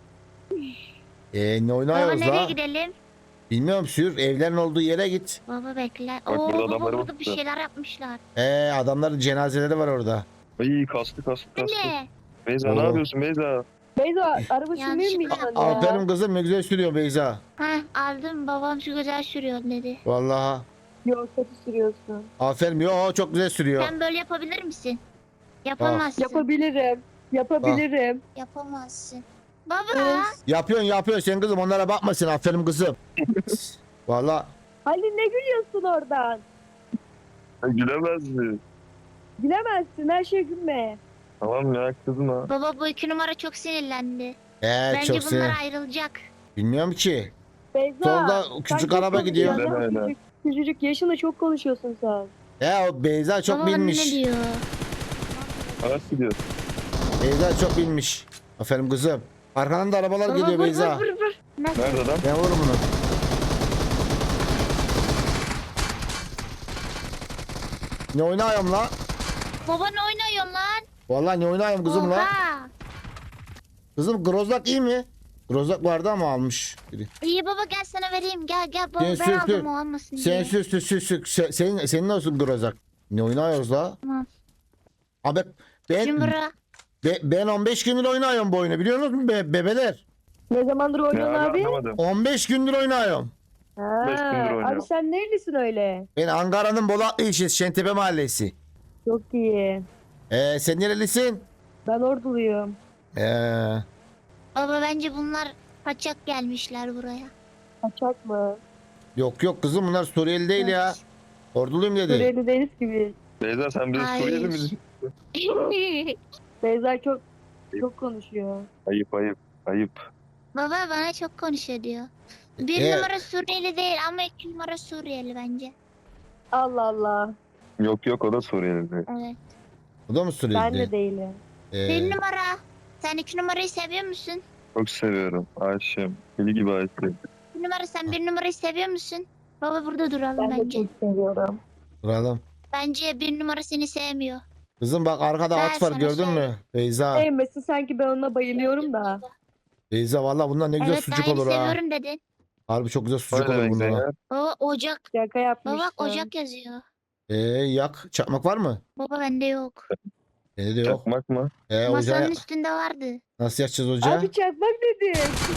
[SPEAKER 1] Ne
[SPEAKER 3] Baba
[SPEAKER 1] oynuyoruz
[SPEAKER 3] nereye
[SPEAKER 1] la?
[SPEAKER 3] gidelim?
[SPEAKER 1] Bilmiyorum sür evlerin olduğu yere git.
[SPEAKER 3] Baba bekle.
[SPEAKER 4] Bak,
[SPEAKER 3] Oo
[SPEAKER 4] burada
[SPEAKER 3] baba
[SPEAKER 4] adamları
[SPEAKER 3] burada bir
[SPEAKER 4] bakıyor.
[SPEAKER 3] şeyler yapmışlar.
[SPEAKER 1] Adamların cenazeleri var orada.
[SPEAKER 4] Ay kastı.
[SPEAKER 3] Bu ne?
[SPEAKER 4] Beyza
[SPEAKER 1] Oo.
[SPEAKER 4] ne yapıyorsun Beyza?
[SPEAKER 2] Beyza araba sürmeyi mi
[SPEAKER 3] Yanlışlıkla
[SPEAKER 2] biliyorsun ya?
[SPEAKER 1] Aferin kızım ne güzel sürüyor Beyza.
[SPEAKER 3] Ha aldım babam şu güzel sürüyor dedi.
[SPEAKER 1] Vallahi.
[SPEAKER 2] Yok kötü sürüyorsun.
[SPEAKER 1] Aferin yo çok güzel sürüyor.
[SPEAKER 3] Sen böyle yapabilir misin? Yapamazsın.
[SPEAKER 2] Yapabilirim.
[SPEAKER 3] Yapamazsın. Baba.
[SPEAKER 1] Yapıyorsun sen kızım onlara bakma sen aferin kızım. Vallahi
[SPEAKER 2] Halil ne gülüyorsun oradan?
[SPEAKER 4] Gülemez mi?
[SPEAKER 2] Gülemezsin her şey gülme.
[SPEAKER 4] Tamam ya kızma.
[SPEAKER 3] Baba bu 2 numara çok sinirlendi. Bence
[SPEAKER 1] çok
[SPEAKER 3] bunlar
[SPEAKER 1] sinir.
[SPEAKER 3] ayrılacak.
[SPEAKER 1] Bilmiyorum ki.
[SPEAKER 2] Beyza.
[SPEAKER 1] Solda
[SPEAKER 2] sen
[SPEAKER 1] küçük
[SPEAKER 2] çok
[SPEAKER 1] araba gidiyor.
[SPEAKER 2] konuşuyorsun.
[SPEAKER 4] Öyle.
[SPEAKER 2] Küçücük yaşında çok konuşuyorsun sen.
[SPEAKER 1] O Beyza çok
[SPEAKER 3] Baba
[SPEAKER 1] bilmiş.
[SPEAKER 3] ne diyor?
[SPEAKER 4] Araç gidiyor.
[SPEAKER 1] Beyza çok bilmiş. Aferin kızım. Arkadan da arabalar
[SPEAKER 3] Baba
[SPEAKER 1] geliyor
[SPEAKER 3] vur,
[SPEAKER 1] Beyza.
[SPEAKER 3] vur. Nasıl?
[SPEAKER 4] Nerede adam?
[SPEAKER 1] Ben vururum bunu. Ne oynuyorum la?
[SPEAKER 3] Baba ne oynuyorsun lan?
[SPEAKER 1] Vallahi ne oynuyorum kızım la?
[SPEAKER 3] Oha.
[SPEAKER 1] Kızım Grozlak iyi mi? Grozlak vardı ama almış biri.
[SPEAKER 3] İyi baba gel sana vereyim. Gel baba
[SPEAKER 1] Sen
[SPEAKER 3] ben
[SPEAKER 1] sür,
[SPEAKER 3] aldım
[SPEAKER 1] sür.
[SPEAKER 3] o almasın
[SPEAKER 1] Sen
[SPEAKER 3] diye.
[SPEAKER 1] sür. Senin olsun Grozlak. Ne oynuyoruz la?
[SPEAKER 3] Tamam.
[SPEAKER 1] Abi
[SPEAKER 3] Cımbıra.
[SPEAKER 1] ben 15 gündür oynuyorum bu oyunu biliyor musun bebeler?
[SPEAKER 2] Ne zamandır
[SPEAKER 4] Ne
[SPEAKER 2] oynuyorsun abi?
[SPEAKER 4] anlamadım.
[SPEAKER 1] 15 gündür oynuyorum.
[SPEAKER 2] Ha,
[SPEAKER 4] 5 gündür oynuyor.
[SPEAKER 2] abi sen nerelisin öyle?
[SPEAKER 1] Ben Ankara'nın Bolatlı ilçesi Şentepe mahallesi.
[SPEAKER 2] Çok iyi.
[SPEAKER 1] Sen nerelisin?
[SPEAKER 2] Ben orduluyum.
[SPEAKER 3] Baba bence bunlar kaçak gelmişler buraya.
[SPEAKER 2] Kaçak mı?
[SPEAKER 1] Yok yok kızım bunlar Suriyeli değil ya. Orduluyum dedi.
[SPEAKER 2] Suriyeli değiliz gibi.
[SPEAKER 4] Beyza sen bize
[SPEAKER 3] Hayır.
[SPEAKER 4] Suriyeli misin?
[SPEAKER 2] Beyza çok konuşuyor.
[SPEAKER 4] Ayıp ayıp. Ayıp.
[SPEAKER 3] Baba bana çok konuşuyor diyor. Bir
[SPEAKER 1] E-
[SPEAKER 3] numara Suriyeli değil ama 2 numara Suriyeli bence.
[SPEAKER 2] Allah Allah.
[SPEAKER 4] Yok yok o da Suriyeli değil.
[SPEAKER 3] Evet.
[SPEAKER 1] Bu da mı Suriyeli
[SPEAKER 2] Ben
[SPEAKER 1] değil?
[SPEAKER 2] de değilim.
[SPEAKER 3] Bir numara. Sen 2 numarayı seviyor musun?
[SPEAKER 4] Çok seviyorum. Aşığım. Deli gibi aşığım.
[SPEAKER 3] 1 numara sen 1 numarayı seviyor musun? Baba burada duralım
[SPEAKER 2] Ben de
[SPEAKER 3] bence.
[SPEAKER 2] çok seviyorum.
[SPEAKER 1] Duralım.
[SPEAKER 3] Bence 1 numara seni sevmiyor.
[SPEAKER 1] Kızım bak arkada
[SPEAKER 3] Ben
[SPEAKER 1] at var
[SPEAKER 3] sana
[SPEAKER 1] gördün mü?
[SPEAKER 3] söyleyeyim.
[SPEAKER 1] Beyza.
[SPEAKER 2] Sevmesi sanki ben ona bayılıyorum da.
[SPEAKER 1] Beyza valla bunlar ne güzel
[SPEAKER 3] Evet
[SPEAKER 1] sucuk
[SPEAKER 3] daha yeni
[SPEAKER 1] olur ha.
[SPEAKER 3] seviyorum dedin.
[SPEAKER 1] Harbi çok güzel sucuk
[SPEAKER 4] O ne
[SPEAKER 1] olur
[SPEAKER 4] demek
[SPEAKER 1] bunlar. ha.
[SPEAKER 4] Zeynep?
[SPEAKER 3] Baba ocak.
[SPEAKER 2] Şaka
[SPEAKER 3] Baba
[SPEAKER 2] yapmıştım.
[SPEAKER 3] bak ocak yazıyor.
[SPEAKER 1] Yak. Çakmak var mı?
[SPEAKER 3] Baba bende yok.
[SPEAKER 1] Bende de yok.
[SPEAKER 4] Çakmak mı?
[SPEAKER 1] Ocağı
[SPEAKER 3] Masanın üstünde vardı.
[SPEAKER 1] nasıl yakacağız ocağı?
[SPEAKER 2] Abi çakmak dedi.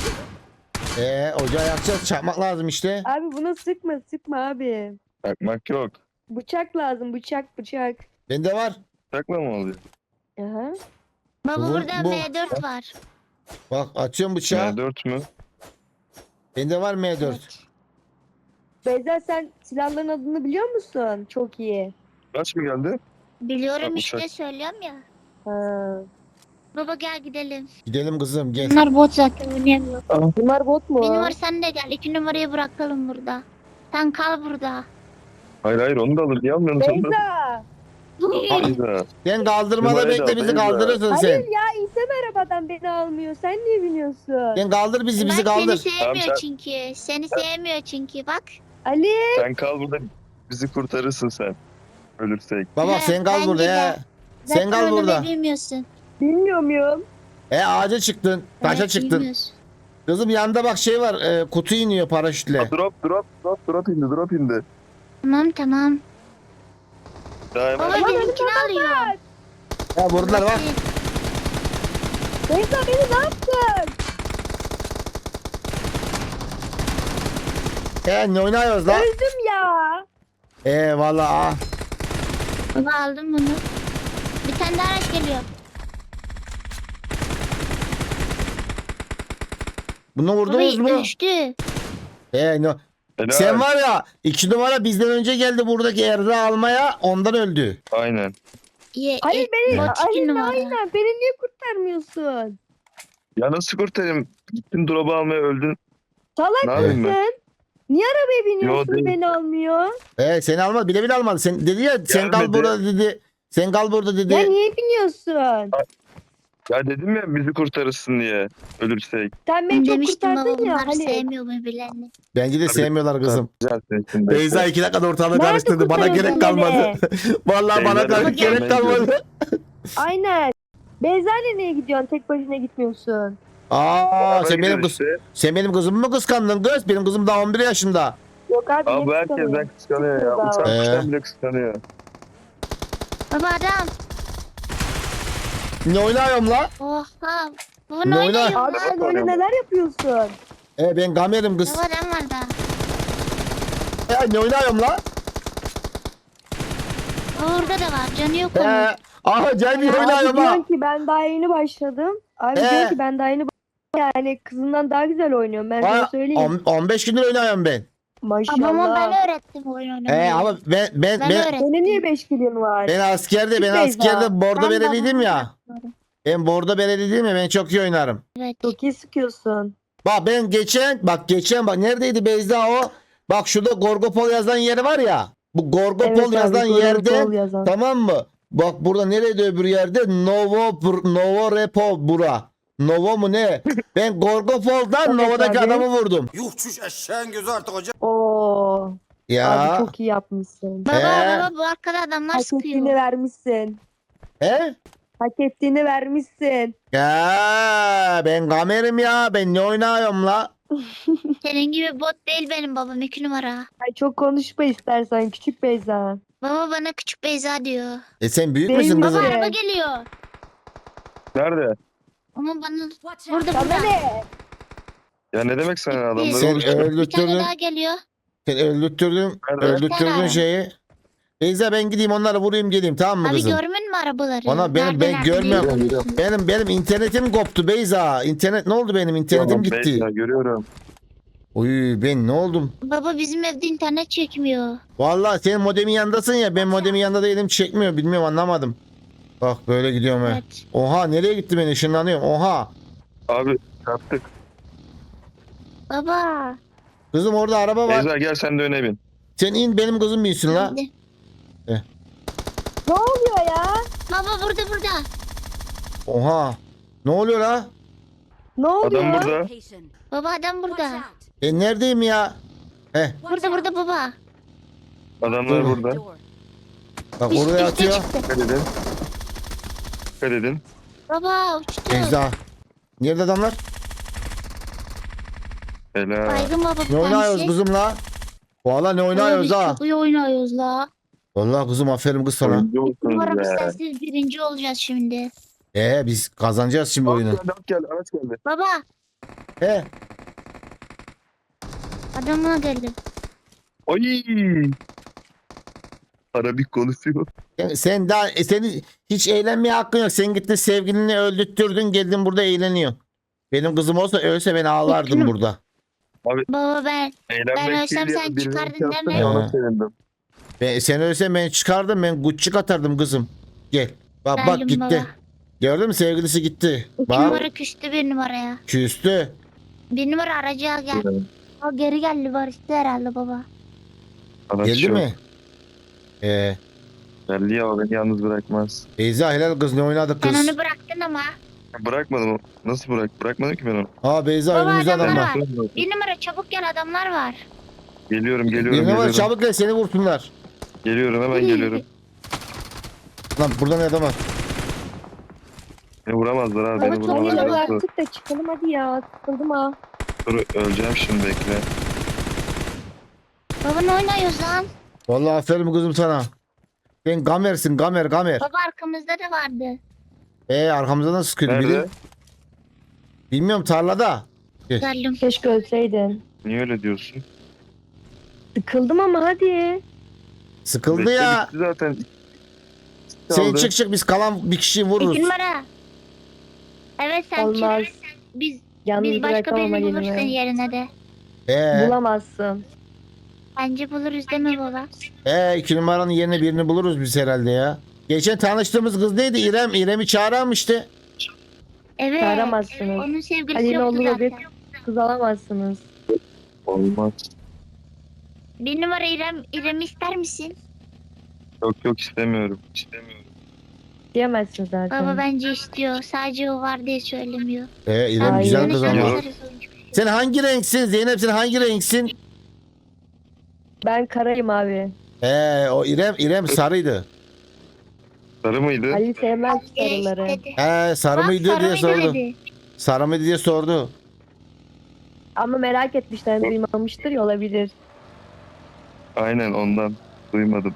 [SPEAKER 1] Ocağı yakacağız. Çakmak lazım işte.
[SPEAKER 2] Abi buna sıkma abi.
[SPEAKER 4] Çakmak yok.
[SPEAKER 2] Bıçak lazım bıçak.
[SPEAKER 1] Bende var.
[SPEAKER 4] Çakla mı oluyor?
[SPEAKER 2] Aha.
[SPEAKER 3] Baba
[SPEAKER 1] Bu-
[SPEAKER 3] burada
[SPEAKER 1] bu-
[SPEAKER 3] M4 var.
[SPEAKER 1] Bak açıyorum bıçağı.
[SPEAKER 4] M4 mü?
[SPEAKER 1] Bende var M4.
[SPEAKER 3] Evet.
[SPEAKER 2] Beyza sen silahların adını biliyor musun? Çok iyi.
[SPEAKER 4] Kaç mı geldi?
[SPEAKER 3] Biliyorum
[SPEAKER 4] Bak,
[SPEAKER 3] işte
[SPEAKER 4] uçak.
[SPEAKER 3] söylüyorum ya.
[SPEAKER 2] Ha.
[SPEAKER 3] Baba gel gidelim.
[SPEAKER 1] Gidelim kızım gel.
[SPEAKER 3] Bunlar bot zaten oynayamıyor.
[SPEAKER 2] Bunlar bot mu?
[SPEAKER 3] Bir numara sen de gel. 2 numarayı bırakalım burada. Sen kal burada.
[SPEAKER 4] Hayır hayır onu da alır. Niye almıyorsun sen de?
[SPEAKER 2] Beyza.
[SPEAKER 4] Beyza.
[SPEAKER 1] Sen kaldırmada
[SPEAKER 4] Numarayı da
[SPEAKER 1] bekle bizi
[SPEAKER 4] Beyza.
[SPEAKER 1] kaldırırsın
[SPEAKER 2] Hayır
[SPEAKER 1] sen.
[SPEAKER 2] ya insan arabadan beni almıyor. Sen niye biniyorsun?
[SPEAKER 1] Sen kaldır bizi
[SPEAKER 3] Bak
[SPEAKER 1] kaldır.
[SPEAKER 3] seni sevmiyor
[SPEAKER 4] Tamam,
[SPEAKER 3] çünkü. Seni sevmiyor çünkü bak.
[SPEAKER 2] Ali.
[SPEAKER 4] Sen kal burada. Bizi kurtarırsın sen. Ölürsek.
[SPEAKER 1] Baba
[SPEAKER 3] He,
[SPEAKER 1] sen kal
[SPEAKER 3] bence
[SPEAKER 1] burada
[SPEAKER 3] de.
[SPEAKER 1] ya. Sen
[SPEAKER 3] Zaten
[SPEAKER 1] kal
[SPEAKER 3] oynamayı
[SPEAKER 1] burada.
[SPEAKER 3] bilmiyorsun.
[SPEAKER 2] Bilmiyor muyum?
[SPEAKER 1] Ağaca çıktın. Taşa
[SPEAKER 3] Evet,
[SPEAKER 1] çıktın.
[SPEAKER 3] bilmiyorsun.
[SPEAKER 1] Kızım yanında bak şey var. Kutu iniyor paraşütle.
[SPEAKER 4] Drop indi drop indi.
[SPEAKER 3] Tamam.
[SPEAKER 4] Daha hemen.
[SPEAKER 3] Baba benimkini alıyor.
[SPEAKER 1] Ya vurdular bak.
[SPEAKER 2] Beyza beni ne yaptın?
[SPEAKER 1] Ne oynuyoruz lan?
[SPEAKER 2] Öldüm ya.
[SPEAKER 1] Valla.
[SPEAKER 3] Baba aldım bunu. Bir tane daha araç geliyor.
[SPEAKER 1] Bunu vurdunuz
[SPEAKER 3] Baba
[SPEAKER 1] mu?
[SPEAKER 3] düştü.
[SPEAKER 4] Helal.
[SPEAKER 1] Sen var ya 2 numara bizden önce geldi buradaki Erda almaya ondan öldü.
[SPEAKER 4] Aynen.
[SPEAKER 2] Hayır beni.
[SPEAKER 3] Bot 2
[SPEAKER 2] Aynen
[SPEAKER 3] numara.
[SPEAKER 2] aynen. Beni niye kurtarmıyorsun?
[SPEAKER 4] Ya nasıl kurtarayım? Gittin drop'u almaya öldün.
[SPEAKER 2] Salak
[SPEAKER 4] Ne yapayım ben?
[SPEAKER 2] mısın? Niye arabaya biniyorsun
[SPEAKER 4] değil.
[SPEAKER 2] beni almıyor?
[SPEAKER 1] Seni almadı bile almadı. Sen dedi ya sen kal
[SPEAKER 4] Gelmedi.
[SPEAKER 1] burada dedi. Sen kal burada dedi.
[SPEAKER 2] Ya niye biniyorsun?
[SPEAKER 4] Ya dedim ya bizi kurtarırsın diye. Ölürsek.
[SPEAKER 2] Sen beni çok
[SPEAKER 3] Demiştim baba
[SPEAKER 2] kurtardın ya
[SPEAKER 3] bunlar
[SPEAKER 2] hani.
[SPEAKER 3] sevmiyor birbirlerini.
[SPEAKER 1] Bence de sevmiyorlar kızım.
[SPEAKER 4] Güzel sensin.
[SPEAKER 1] Beyza 2 dakikada ortalığı
[SPEAKER 2] Nerede
[SPEAKER 1] karıştırdı. Bana
[SPEAKER 2] kurtarıyorsun
[SPEAKER 1] gerek kalmadı.
[SPEAKER 2] beni?
[SPEAKER 1] Vallahi bana
[SPEAKER 4] Beyza
[SPEAKER 1] gerek
[SPEAKER 3] gelmeye
[SPEAKER 1] kalmadı.
[SPEAKER 2] Aynen. Beyza'yla niye gidiyorsun? Tek başına gitmiyorsun.
[SPEAKER 1] Sen benim kızımı mı kıskandın kız? Benim kızım daha 11 yaşında.
[SPEAKER 2] Yok abi.
[SPEAKER 4] Abi bu
[SPEAKER 2] niye
[SPEAKER 4] herkesten
[SPEAKER 2] kıskanıyorsun?
[SPEAKER 4] kıskanıyor ya. Uçan
[SPEAKER 1] Ee.
[SPEAKER 4] kuştan bile kıskanıyor.
[SPEAKER 3] Baba adam.
[SPEAKER 1] Ne oynuyorum la?
[SPEAKER 3] Oha. Bunu
[SPEAKER 1] Ne oynar?
[SPEAKER 3] oynuyor
[SPEAKER 2] Abi
[SPEAKER 3] lan.
[SPEAKER 2] sen öyle neler yapıyorsun?
[SPEAKER 1] Ben gamerim kız.
[SPEAKER 3] Baba adam var da.
[SPEAKER 1] Ne oynuyorum la?
[SPEAKER 3] Orada da var. Canı yok onun.
[SPEAKER 1] Aha gel bir
[SPEAKER 2] Abi
[SPEAKER 1] oynuyorum
[SPEAKER 2] diyor
[SPEAKER 1] ha.
[SPEAKER 2] ki ben daha yeni başladım. Abi diyor ki ben daha yeni yani kızından daha güzel oynuyorum. Ben sana söyleyeyim.
[SPEAKER 1] 15 gündür oynuyorum ben.
[SPEAKER 3] Babama
[SPEAKER 2] Maşallah.
[SPEAKER 3] ben öğrettim oyun oynamayı.
[SPEAKER 1] Ama ben
[SPEAKER 3] Ben öğrettim.
[SPEAKER 2] Senin niye 5 kilin var?
[SPEAKER 1] ben askerde
[SPEAKER 2] Beyza,
[SPEAKER 1] bordo
[SPEAKER 3] Ben
[SPEAKER 1] bereliydim
[SPEAKER 3] babamı
[SPEAKER 1] ya.
[SPEAKER 3] öğrettim.
[SPEAKER 1] Ben bordo bereliydim ya ben çok iyi oynarım.
[SPEAKER 3] Evet.
[SPEAKER 2] Çok iyi sıkıyorsun.
[SPEAKER 1] Bak ben geçen neredeydi Beyza o? Bak şurada Gorgopol yazan yeri var ya. Bu Gorgopol
[SPEAKER 2] abi,
[SPEAKER 1] yazan
[SPEAKER 2] doğru,
[SPEAKER 1] yerde
[SPEAKER 2] doğru yazan.
[SPEAKER 1] tamam mı? Bak burada nerede öbür yerde? Novo Repo bura. Novo mu ne? Ben Gorgopol'dan
[SPEAKER 2] Evet
[SPEAKER 1] Novo'daki
[SPEAKER 2] abi.
[SPEAKER 1] adamı vurdum.
[SPEAKER 5] Yuh çüş eşeğin gözü artık hocam.
[SPEAKER 2] Oo.
[SPEAKER 1] Ya.
[SPEAKER 2] Abi çok iyi yapmışsın.
[SPEAKER 3] Baba bu arkada adamlar
[SPEAKER 2] Hak
[SPEAKER 3] sıkıyor.
[SPEAKER 2] ettiğini vermişsin.
[SPEAKER 1] He?
[SPEAKER 2] Hak ettiğini vermişsin.
[SPEAKER 1] Ya ben kamerim ya. Ben ne oynuyorum la?
[SPEAKER 3] Senin gibi bot değil benim babam 2 numara.
[SPEAKER 2] Ay çok konuşma istersen küçük Beyza.
[SPEAKER 3] Baba bana küçük Beyza diyor.
[SPEAKER 1] Sen büyük
[SPEAKER 2] Benim
[SPEAKER 1] müsün
[SPEAKER 2] baba-
[SPEAKER 1] kızım?
[SPEAKER 2] Evet.
[SPEAKER 3] Araba geliyor.
[SPEAKER 4] Nerede?
[SPEAKER 3] Ama bana burada
[SPEAKER 2] Sana
[SPEAKER 3] burada.
[SPEAKER 2] ne?
[SPEAKER 4] Ya ne demek sen adamları
[SPEAKER 1] Sen
[SPEAKER 4] vuruştun?
[SPEAKER 3] Bir tane
[SPEAKER 1] öldürttürdün.
[SPEAKER 3] daha geliyor.
[SPEAKER 1] Sen öldürttürdün.
[SPEAKER 4] Nerede?
[SPEAKER 1] Öldürttürdün
[SPEAKER 3] Nerede?
[SPEAKER 1] şeyi. Beyza ben gideyim onları vurayım geleyim tamam mı
[SPEAKER 3] Abi
[SPEAKER 1] kızım?
[SPEAKER 3] görmüyor musun arabaları?
[SPEAKER 1] Ana ben
[SPEAKER 3] Nerede
[SPEAKER 1] görmüyorum.
[SPEAKER 3] konuşuyorsun?
[SPEAKER 1] Benim internetim koptu Beyza. İnternet ne oldu benim internetim
[SPEAKER 4] Tamam,
[SPEAKER 1] gitti.
[SPEAKER 4] Beyza, görüyorum.
[SPEAKER 1] Uy ben ne oldum?
[SPEAKER 3] Baba bizim evde internet çekmiyor.
[SPEAKER 1] Vallahi senin modemin yanındasın ya ben modemin yanında değilim çekmiyor bilmiyorum anlamadım. Bak böyle gidiyorum he.
[SPEAKER 3] Evet.
[SPEAKER 1] Oha nereye gitti ben ışınlanıyorum oha.
[SPEAKER 4] Abi yaptık.
[SPEAKER 3] Baba.
[SPEAKER 1] Kızım orada araba var.
[SPEAKER 4] Beyza gel sen de öne bin.
[SPEAKER 1] Sen in benim kızım binsin la.
[SPEAKER 3] Hadi.
[SPEAKER 2] Ne oluyor ya?
[SPEAKER 3] Baba burada.
[SPEAKER 1] Oha. Ne oluyor la?
[SPEAKER 2] Ne oluyor?
[SPEAKER 4] Adam burada.
[SPEAKER 3] Baba adam burada.
[SPEAKER 1] Ben neredeyim ya? Heh
[SPEAKER 3] Burada baba.
[SPEAKER 4] Adamlar
[SPEAKER 1] Dur.
[SPEAKER 4] burada.
[SPEAKER 1] bak
[SPEAKER 3] Üst
[SPEAKER 1] oraya
[SPEAKER 3] üste
[SPEAKER 1] atıyor.
[SPEAKER 3] çıktı.
[SPEAKER 4] Dikkat edin. Dikkat edin.
[SPEAKER 3] Baba uçtu.
[SPEAKER 1] Beyza. Nerede adamlar?
[SPEAKER 4] Helal.
[SPEAKER 3] Baygın baba bir
[SPEAKER 1] Ne oynuyoruz
[SPEAKER 3] tanesi.
[SPEAKER 1] kızım la? Valla ne oynuyoruz
[SPEAKER 3] Baba,
[SPEAKER 1] ha?
[SPEAKER 3] biz çok iyi oynuyoruz la.
[SPEAKER 1] Vallahi kızım aferin kız sana.
[SPEAKER 4] Oyuncu musunuz
[SPEAKER 3] Umarım
[SPEAKER 4] be?
[SPEAKER 3] sensiz birinci olacağız şimdi.
[SPEAKER 1] Biz kazanacağız şimdi oyunu.
[SPEAKER 4] At geldi, araç geldi.
[SPEAKER 3] Baba
[SPEAKER 1] He.
[SPEAKER 3] adamına geldim.
[SPEAKER 4] Ay. Arabik konuşuyor.
[SPEAKER 1] Sen daha senin hiç eğlenmeye hakkın yok. Sen gittin sevgilini öldürttürdün geldin burada eğleniyorsun. Benim kızım olsa ölse ben ağlardım burada.
[SPEAKER 3] Baba ben
[SPEAKER 4] Eğlenmek
[SPEAKER 3] ölsem
[SPEAKER 4] değil ya,
[SPEAKER 3] sen
[SPEAKER 4] birinin
[SPEAKER 3] çıkardın
[SPEAKER 4] şansını
[SPEAKER 3] değil mi?
[SPEAKER 4] Ona sevindim.
[SPEAKER 1] Sen ölse ben çıkardım ben gucci atardım kızım. Gel. Bak
[SPEAKER 3] Geldim
[SPEAKER 1] gitti.
[SPEAKER 3] baba.
[SPEAKER 1] Gördün mü sevgilisi gitti.
[SPEAKER 3] İki
[SPEAKER 1] Bak
[SPEAKER 3] numara küstü bir numaraya.
[SPEAKER 1] küstü.
[SPEAKER 3] Bir numara aracıya gel. O geri geldi barıştı herhalde baba.
[SPEAKER 4] Araç
[SPEAKER 1] Geldi
[SPEAKER 4] yok.
[SPEAKER 1] mi?
[SPEAKER 4] Geldi ya, o beni yalnız bırakmaz.
[SPEAKER 1] Beyza helal kız ne oynadık
[SPEAKER 3] Sen
[SPEAKER 1] kız.
[SPEAKER 3] onu bıraktın ama.
[SPEAKER 4] Bırakmadım. Nasıl Bırakmadım ki ben onu.
[SPEAKER 1] Aa Beyza
[SPEAKER 3] Baba,
[SPEAKER 1] önümüzde
[SPEAKER 3] adamlar
[SPEAKER 1] adamlar.
[SPEAKER 3] var. Bir numara çabuk gel adamlar var.
[SPEAKER 4] Geliyorum
[SPEAKER 1] Bir numara
[SPEAKER 4] geliyorum.
[SPEAKER 1] çabuk gel seni vursunlar.
[SPEAKER 4] Geliyorum hemen geliyorum.
[SPEAKER 1] Lan burada ne adam var?
[SPEAKER 4] Beni vuramazlar abi,
[SPEAKER 2] Baba
[SPEAKER 4] beni
[SPEAKER 2] çok
[SPEAKER 4] vuramazlar.
[SPEAKER 2] iyi artık da çıkalım hadi ya. Sıkıldım ha.
[SPEAKER 4] Dur, öleceğim şimdi, bekle.
[SPEAKER 3] Baba ne oynuyoruz lan?
[SPEAKER 1] Vallahi aferin kızım sana. Sen gamersin gamer.
[SPEAKER 3] Baba arkamızda da vardı.
[SPEAKER 1] Arkamızda nasıl sıkıyordu biri?
[SPEAKER 4] Nerede?
[SPEAKER 1] Bilmiyorum tarlada.
[SPEAKER 3] Geldim.
[SPEAKER 2] Keşke ölseydin.
[SPEAKER 4] Niye öyle diyorsun?
[SPEAKER 2] Sıkıldım ama hadi.
[SPEAKER 1] Sıkıldı
[SPEAKER 4] Bekle,
[SPEAKER 1] ya.
[SPEAKER 4] bitti zaten.
[SPEAKER 1] Sen
[SPEAKER 4] Kaldı.
[SPEAKER 1] çık biz kalan bir kişiyi vururuz.
[SPEAKER 3] İki numara. Evet sen
[SPEAKER 2] Olmaz.
[SPEAKER 3] çık. Biz
[SPEAKER 2] Yalnız
[SPEAKER 3] başka
[SPEAKER 2] bırakamam
[SPEAKER 3] birini buluruz
[SPEAKER 2] elime.
[SPEAKER 3] senin yerine de.
[SPEAKER 2] Bulamazsın.
[SPEAKER 3] Bence buluruz değil mi baba?
[SPEAKER 1] 2 numaranın yerine birini buluruz biz herhalde ya. Geçen tanıştığımız kız neydi? İrem. İrem'i çağırmıştı.
[SPEAKER 3] Evet.
[SPEAKER 2] Çağıramazsınız.
[SPEAKER 3] Onun sevgilisi
[SPEAKER 2] Halil
[SPEAKER 3] yoktu
[SPEAKER 2] oğlu
[SPEAKER 3] zaten.
[SPEAKER 2] bir kız alamazsınız.
[SPEAKER 4] Olmaz.
[SPEAKER 3] Bir numara İrem'i ister misin?
[SPEAKER 4] Yok istemiyorum.
[SPEAKER 2] Diyemezsin zaten.
[SPEAKER 3] Baba bence istiyor. Sadece o var diye söylemiyor.
[SPEAKER 1] İrem
[SPEAKER 2] Hayır.
[SPEAKER 1] güzel kız ama.
[SPEAKER 4] Yok.
[SPEAKER 1] Sen hangi renksin? Zeynep sen hangi renksin?
[SPEAKER 2] Ben karayım abi.
[SPEAKER 1] O İrem sarıydı.
[SPEAKER 4] Sarı mıydı?
[SPEAKER 2] Ali sevmez sarıları.
[SPEAKER 1] Sarı mıydı diye sordu.
[SPEAKER 3] Dedi.
[SPEAKER 1] Sarı mıydı diye sordu.
[SPEAKER 2] Ama merak etmişler duymamıştır ya olabilir.
[SPEAKER 4] Aynen ondan. Duymadım.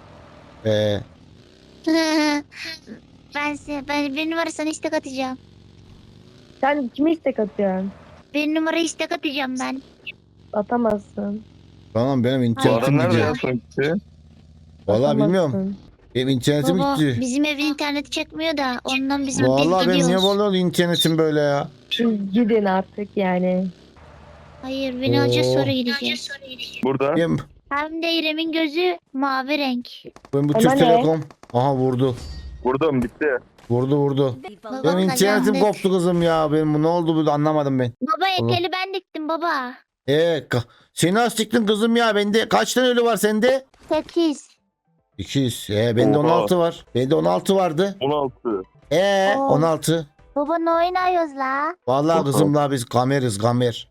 [SPEAKER 3] ben bir numara sana istek atacağım.
[SPEAKER 2] Sen kime istek atıyorsun?
[SPEAKER 3] Bir numara istek atacağım ben.
[SPEAKER 2] Atamazsın.
[SPEAKER 1] Tamam benim
[SPEAKER 4] Bu
[SPEAKER 1] internetim
[SPEAKER 4] adam nerede
[SPEAKER 1] gidiyor.
[SPEAKER 4] ya sonuçta?
[SPEAKER 1] Vallahi bilmiyorum.
[SPEAKER 2] Atamazsın.
[SPEAKER 1] Benim internetim
[SPEAKER 3] Baba
[SPEAKER 1] gitti.
[SPEAKER 3] bizim evin interneti çekmiyor da ondan biz
[SPEAKER 1] Vallahi benim niye
[SPEAKER 3] gidiyoruz.
[SPEAKER 1] böyle internetim böyle ya?
[SPEAKER 2] Siz gidin artık yani.
[SPEAKER 3] Hayır beni alacağız
[SPEAKER 1] Oo.
[SPEAKER 3] sonra gideceğiz.
[SPEAKER 4] Burada.
[SPEAKER 3] Hem de İrem'in gözü mavi renk.
[SPEAKER 1] Ben bu
[SPEAKER 2] Ama
[SPEAKER 1] Türk
[SPEAKER 2] ne?
[SPEAKER 1] Telekom. Aha vurdu.
[SPEAKER 4] Burada mı bitti?
[SPEAKER 1] Vurdu.
[SPEAKER 3] Baba
[SPEAKER 1] Benim internetim
[SPEAKER 3] kazandık.
[SPEAKER 1] koptu kızım ya. Benim bu ne oldu burada anlamadım ben.
[SPEAKER 3] Baba ekeli ben diktim baba.
[SPEAKER 1] Seni nasıl çıktın kızım ya? Bende kaç tane ölü var sende?
[SPEAKER 3] 8.
[SPEAKER 1] 200. Bende
[SPEAKER 4] Oha.
[SPEAKER 1] 16 var. Bende 16 vardı.
[SPEAKER 4] 16.
[SPEAKER 3] Oo.
[SPEAKER 1] 16.
[SPEAKER 3] Baba ne oynuyoruz la?
[SPEAKER 1] Vallahi
[SPEAKER 4] Çok
[SPEAKER 1] kızım la biz gameriz gamer.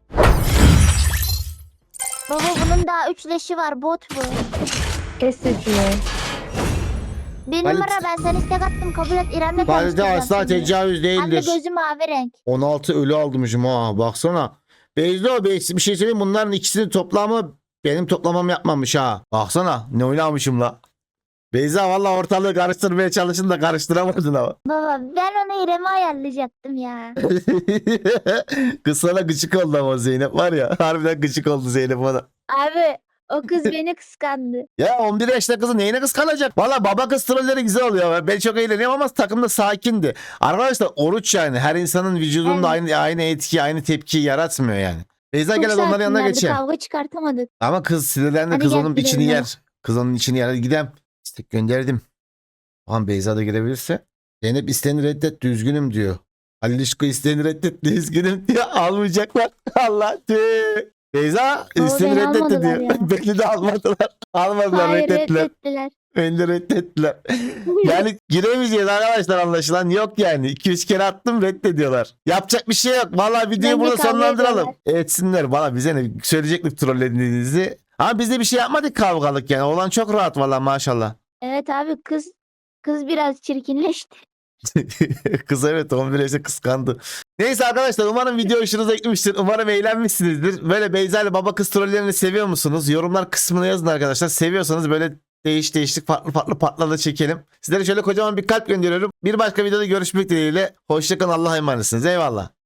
[SPEAKER 3] Baba bunun daha 3 leşi var bot bu.
[SPEAKER 2] Kes sesini.
[SPEAKER 3] Bir
[SPEAKER 1] Halit-
[SPEAKER 3] numara ben sana istek attım kabul et İrem'le
[SPEAKER 1] Valide
[SPEAKER 3] konuşturacağım
[SPEAKER 1] asla
[SPEAKER 3] seni.
[SPEAKER 1] tecavüz
[SPEAKER 3] Hem de
[SPEAKER 1] değildir.
[SPEAKER 3] gözü mavi renk.
[SPEAKER 1] 16 ölü almışım ha baksana. Beyzo bir şey söyleyeyim bunların ikisinin toplamı benim toplamam yapmamış ha. Baksana ne oynamışım la. Beyza valla ortalığı karıştırmaya çalışın da karıştıramadın ama.
[SPEAKER 3] Baba ben onu İrem'e ayarlayacaktım ya.
[SPEAKER 1] Kız sana gıcık oldu ama Zeynep var ya. Harbiden gıcık oldu Zeynep ona.
[SPEAKER 3] Abi O kız beni kıskandı.
[SPEAKER 1] Ya 11 yaşında kızı neyine kıskanacak? Valla baba kız trolleri güzel oluyor. Ben çok eğleniyorum ama takım da sakindi. Arkadaşlar oruç yani. Her insanın vücudunda
[SPEAKER 3] Evet.
[SPEAKER 1] aynı etki, aynı tepkiyi yaratmıyor yani. Beyza
[SPEAKER 3] Çok
[SPEAKER 1] gel hadi onların yanına
[SPEAKER 3] sakinlerdi,
[SPEAKER 1] geçelim.
[SPEAKER 3] kavga çıkartamadık.
[SPEAKER 1] Ama kız sinirlendi.
[SPEAKER 3] Hadi
[SPEAKER 1] Kız
[SPEAKER 3] gel
[SPEAKER 1] onun
[SPEAKER 3] gidelim
[SPEAKER 1] içini
[SPEAKER 3] ya.
[SPEAKER 1] yer. Kız onun içini yer. Hadi gidelim. İstek gönderdim. Tamam Beyza da girebilirse. Zeynep isteğini reddetti. Üzgünüm diyor. Halil İşko isteğini reddetti. Üzgünüm diyor. Almayacaklar. Allah tüh. Beyza
[SPEAKER 3] Oo,
[SPEAKER 1] isteğini
[SPEAKER 3] beni
[SPEAKER 1] reddetti
[SPEAKER 3] almadılar
[SPEAKER 1] diyor.
[SPEAKER 3] ya.
[SPEAKER 1] Beni de almadılar. Almadılar
[SPEAKER 3] Hayır
[SPEAKER 1] reddettiler.
[SPEAKER 3] reddettiler.
[SPEAKER 1] Beni de reddettiler. Yani giremeyeceğiz arkadaşlar anlaşılan. Yok yani. 2-3 kere attım reddediyorlar. Yapacak bir şey yok. Vallahi videoyu
[SPEAKER 3] Bence
[SPEAKER 1] burada
[SPEAKER 3] kavga
[SPEAKER 1] sonlandıralım.
[SPEAKER 3] ediyorlar.
[SPEAKER 1] Etsinler. Valla bize ne söyleyecektik trollediğinizi. Ama biz de bir şey yapmadık kavgalık yani. Olan çok rahat valla maşallah.
[SPEAKER 3] Evet abi kız biraz çirkinleşti.
[SPEAKER 1] Kız evet 11 yaşta kıskandı. Neyse arkadaşlar umarım video hoşunuza gitmiştir. Umarım eğlenmişsinizdir. Böyle Beyza ile baba kız trollerini seviyor musunuz? Yorumlar kısmına yazın arkadaşlar. Seviyorsanız böyle değişik farklı partlarla çekelim. Sizlere şöyle kocaman bir kalp gönderiyorum. Bir başka videoda görüşmek dileğiyle. Hoşçakalın, Allah'a emanetsiniz. Eyvallah.